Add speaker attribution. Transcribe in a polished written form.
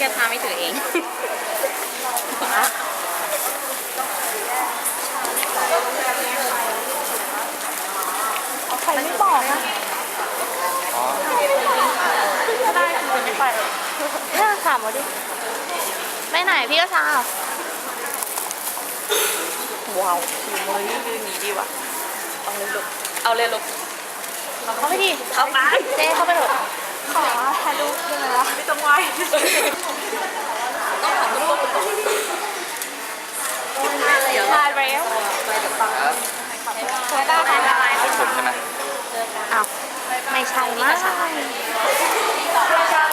Speaker 1: จะพาไม่ถือเอง
Speaker 2: ใครไม่บอกนะได้คือไม่ไปเนี่ยถามมาดิไปไหนพี่ก็ชาว้าวอยู่มือยืนหนีดีว่ะเอาเลยลูกเอาเลยลูกเข้าไปดิเข้าไปเจ๊เข้าไปเถอะขอถ่ายรูปด้วยนะไม่ต้องไหวต้องถ่ายรูปถ่ายแล้วถ่ายได้ถ่ายได้
Speaker 3: ผมใช่ไหม
Speaker 2: อ้าวไม่ใช่มั้ง